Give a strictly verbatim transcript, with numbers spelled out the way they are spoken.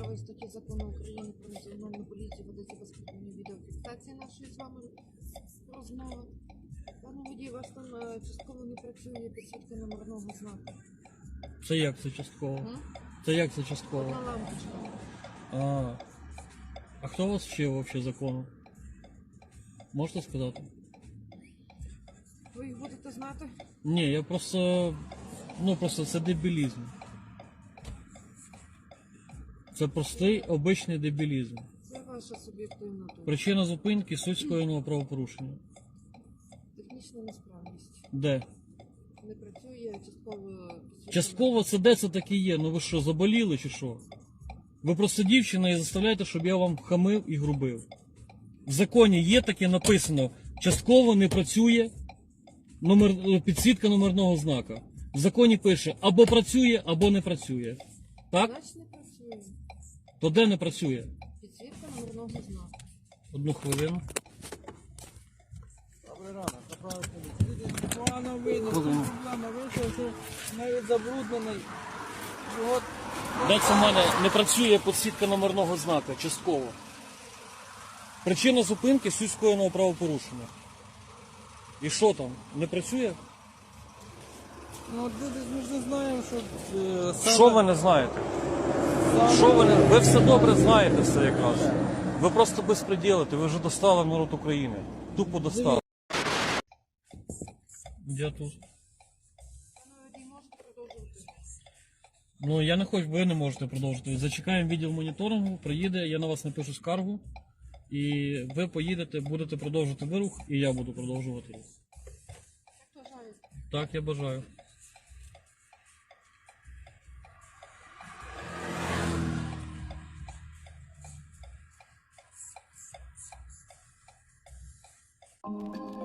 другої статті Закону України про національну поліцію ведеться безпосередньо відеофіксація нашої з вами розмови. Пане водій, у вас там е, частково не працює підсвітка номерного знаку. Це як це частково? М? Це як це частково? Одна лампочка. А, а хто вас вчив взагалі закону? Можете сказати? Ви їх будете знати? Ні, я просто... Ну просто це дебілізм. Це простий, обичний дебілізм. Це ваша суб'єктивна думка. Причина зупинки – суть скоєного правопорушення. Технічна несправність. Де? Не працює частково підсвітка. Частково це де це таке є? Ну ви що, заболіли чи що? Ви просто дівчина і заставляєте, щоб я вам хамив і грубив. В законі є таке написано, частково не працює номер, підсвітка номерного знака. В законі пише, або працює, або не працює. Так? Значить не працює. То де не працює? Підсвітка номерного знаку. Одну хвилину. Добрий ранок, направити. Погано видно, погано вийшов, що навіть забруднений. От, Де це в мене не працює підсвітка номерного знака, частково. Причина зупинки – суть скоєного правопорушення. І що там? Не працює? ну, от люди, ми ж не знаємо, що е, саме... Що ви не знаєте? саме- Що ви не... Ви все добре знаєте все якраз. Ви просто безпреділите, ви вже достали народ України. Тупо достали. Я тут. Пане водій, можете продовжувати? Ну я не хочу, ви не можете продовжити. Зачекаємо відділ моніторингу, приїде, я на вас напишу скаргу. І ви поїдете, будете продовжувати вирух, і я буду продовжувати рух. Як вважаєте? Так, я бажаю. Thank you.